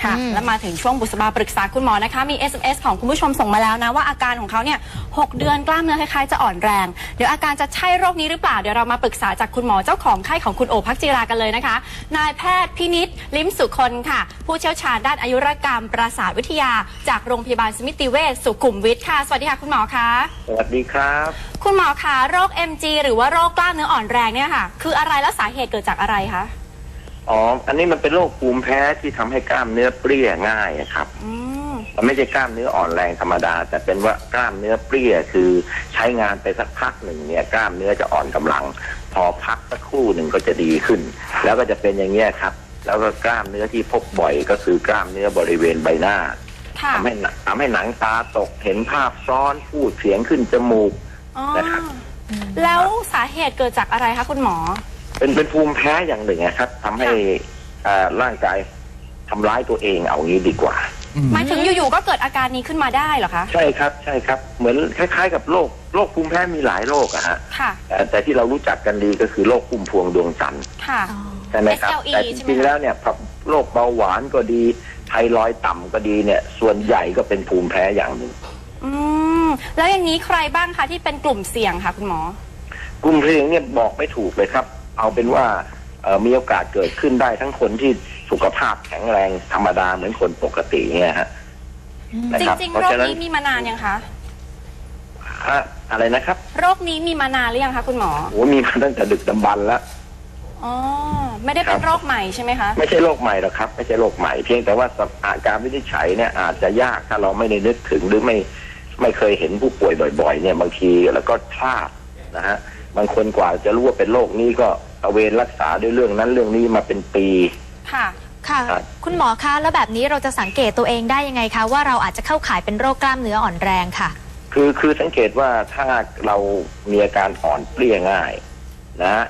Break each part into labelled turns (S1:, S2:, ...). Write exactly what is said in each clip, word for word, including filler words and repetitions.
S1: ค่ะแล้วมาถึงช่วงบุษบาปรึกษาคุณหมอนะคะมี เอส เอ็ม เอส ของคุณผู้ชมส่งมาแล้วนะว่าอาการของเขาเนี่ยหกเดือนกล้ามเนื้อคล้ายๆจะอ่อนแรงเดี๋ยวอาการจะใช่โรคนี้หรือเปล่าเดี๋ยวเรามาปรึกษาจากคุณหมอเจ้าของไข้ของคุณโอภักจิรากันเลยนะคะนายแพทย์พินิจลิ้มสุคนค่ะผู้เชี่ยวชาญด้านอายุรกรรมประสาทวิทยาจากโรงพยาบาลสมิติเวชสุขุมวิทค่ะสวัสดีค่ะคุณหมอคะ
S2: สวัสดีครับ
S1: คุณหมอคะโรค เอ็ม จี หรือว่าโรคกล้ามเนื้ออ่อนแรงเนี่ยค่ะคืออะไรและสาเหตุเกิดจากอะไรคะ
S2: อ๋ออันนี้มันเป็นโรคภูมิแพ้ที่ทำให้กล้ามเนื้อเปรี้ยง่ายครับมันไม่ใช่กล้ามเนื้ออ่อนแรงธรรมดาแต่เป็นว่ากล้ามเนื้อเปรี้ยคือใช้งานไปสักพักหนึ่งเนี่ยกล้ามเนื้อจะอ่อนกำลังพอพักสักครู่หนึ่งก็จะดีขึ้นแล้วก็จะเป็นอย่างนี้ครับแล้วก็กล้ามเนื้อที่พบบ่อยก็คือกล้ามเนื้อบริเวณใบหน้าทำให้ทำให้หนังตาตกเห็นภาพซ้อนพูดเสียงขึ้นจมูกนะครับ
S1: แล้วสาเหตุเกิดจากอะไรคะคุณหมอ
S2: เป็นเป็นภูมิแพ้อย่างหนึ่งนะครับทำให้ร่างกายทำร้ายตัวเองเอางี้ดีกว่า
S1: หมายถึงอยู่ๆก็เกิดอาการนี้ขึ้นมาได้เหรอคะ
S2: ใช่ครับใช่ครับเหมือนคล้ายๆกับโรคโรคภูมิแพ้มีหลายโรคอะฮะแต่ที่เรารู้จักกันดีก็คือโรคพุ่มพวงดวงจันทร์ใช่ไหมครับแต่จริงๆแล้วเนี่ยโรคเบาหวานก็ดีไทรอยด์ต่ำก็ดีเนี่ยส่วนใหญ่ก็เป็นภูมิแพ้อย่างหนึ่ง
S1: อืมแล้วอย่างนี้ใครบ้างคะที่เป็นกลุ่มเสี่ยงค่ะคุณหม
S2: อกลุ่มเสี่ยงเนี่ยบอกไม่ถูกเลยครับเอาเป็นว่ามีโอกาสเกิดขึ้นได้ทั้งคนที่สุขภาพแข็งแรงธรรมดาเหมือนคนปกติเนี่ยฮะ
S1: จริงๆโรคนี้มีมานานยังคะ
S2: อะไรนะครับ
S1: โรคนี้มีมานานหรือยังคะคุณหมอ
S2: โอ้มีมาตั้งแต่ดึกดำบรรพ์แล้ว
S1: อ๋อไม่ได้เป็นโรคใหม่ใช่ไหมคะ
S2: ไม่ใช่โรคใหม่หรอกครับไม่ใช่โรคใหม่เพียงแต่ว่าอาการวินิจฉัยเนี่ยอาจจะยากถ้าเราไม่ได้นึกถึงหรือไม่ไม่เคยเห็นผู้ป่วยบ่อยๆเนี่ยบางทีแล้วก็พลาดนะฮะบางคนกว่าจะรู้ว่าเป็นโรคนี้ก็ตระเวนรักษาด้วยเรื่องนั้นเรื่องนี้มาเป็นปี
S3: ค่ะค่ะคุณหมอคะแล้วแบบนี้เราจะสังเกตตัวเองได้ยังไงคะว่าเราอาจจะเข้าข่ายเป็นโรคกล้ามเนื้ออ่อนแรงค่ะ
S2: คือคือสังเกตว่าถ้าเรามีอาการอ่อนเปรี้ยง่ายนะ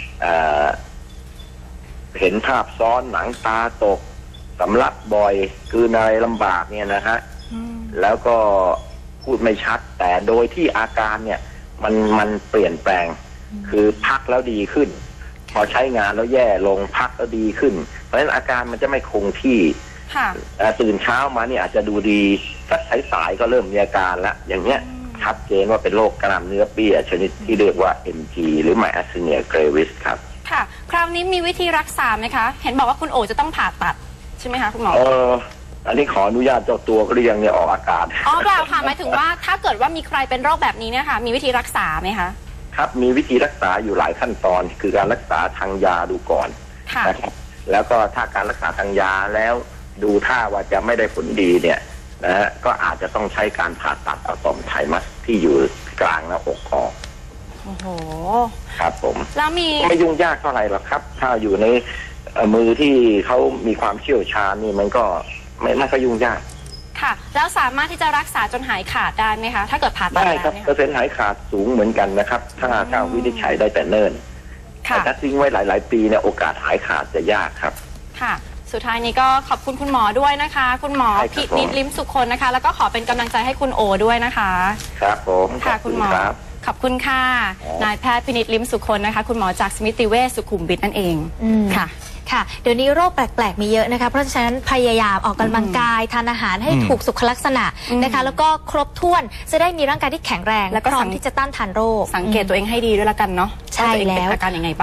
S2: เห็นภาพซ้อนหนังตาตกสำลักบ่อยคือนอะไรลำบากเนี่ยนะฮะแล้วก็พูดไม่ชัดแต่โดยที่อาการเนี่ยมันมันเปลี่ยนแปลงคือพักแล้วดีขึ้นพอใช้งานแล้วแย่ลงพักแล้วดีขึ้นเพราะฉะนั้นอาการมันจะไม่คงที่ตื่นเช้ามาเนี่ยอาจจะดูดีสักสายๆก็เริ่มมีอาการแล้วอย่างเนี้ยชัดเจนว่าเป็นโรคกล้ามเนื้อเปรี้ยชนิดที่เรียกว่า เอ็ม จี หรือ Myasthenia gravis ครับ
S1: ค่ะคราวนี้มีวิธีรักษาไหมคะเห็นบอกว่าคุณโอจะต้องผ่าตัดใช่ไหมคะคุณหมอ
S2: เอออันนี้ขออนุญาตเจ้าตัวก็เรียงเนี่ยออกอากาศ
S1: อ๋อเปล่าค่ะหมายถึงว่าถ้าเกิดว่ามีใครเป็นโรคแบบนี้เนี่ยค่ะมีวิธีรักษาไหมคะ
S2: ครับมีวิธีรักษาอยู่หลายขั้นตอนคือการรักษาทางยาดูก่อนนะครับแล้วก็ถ้าการรักษาทางยาแล้วดูท่าว่าจะไม่ได้ผลดีเนี่ยนะฮะก็อาจจะต้องใช้การผ่าตัดเอาต่อมไทมัสที่อยู่กลางหน้าอกออก
S1: โอ้โห
S2: ครับผม
S1: แล้วมี
S2: ไม่ยุ่งยากเท่าไหร่หรอกครับถ้าอยู่ในมือที่เขามีความเชี่ยวชาญนี่มันก็ไม่ไม่ค่อยยุ่งยาก
S1: ค่ะแล้วสามารถที่จะรักษาจนหายขาดได้ไหมคะถ้าเกิดผ่าตัด
S2: ได้ครับเปอร์เซ็นต์หายขาดสูงเหมือนกันนะครับถ้าถ้าวินิจฉัยได้แต่เนิ่นแต่ถ้าทิ้งไว้หลายๆปีเนี่ยโอกาสหายขาดจะยากครับ
S1: ค่ะสุดท้ายนี้ก็ขอบคุณคุณหมอด้วยนะคะคุณหมอพินิจลิ้มสุคนนะคะแล้วก็ขอเป็นกำลังใจให้คุณโอด้วยนะคะ
S2: ครับผม
S1: ค่ะคุณหมอขอบคุณค่ะนายแพทย์พินิจลิ้มสุคนนะคะคุณหมอจากสมิติเวชสุขุมวิทนั่นเองค่ะ
S3: ค่ะเดี๋ยวนี้โรคแปลกๆมีเยอะนะคะเพราะฉะนั้นพยายามออกกำลังกายทานอาหารให้ถูกสุขลักษณะนะคะแล้วก็ครบถ้วนจะได้มีร่างกายที่แข็งแรงและพร้อมที่จะต้านทานโรค
S1: สังเกตตัวเองให้ดีด้วยละกันเนาะ
S3: ใช่แล้ว
S1: อาการยังไงบ้าง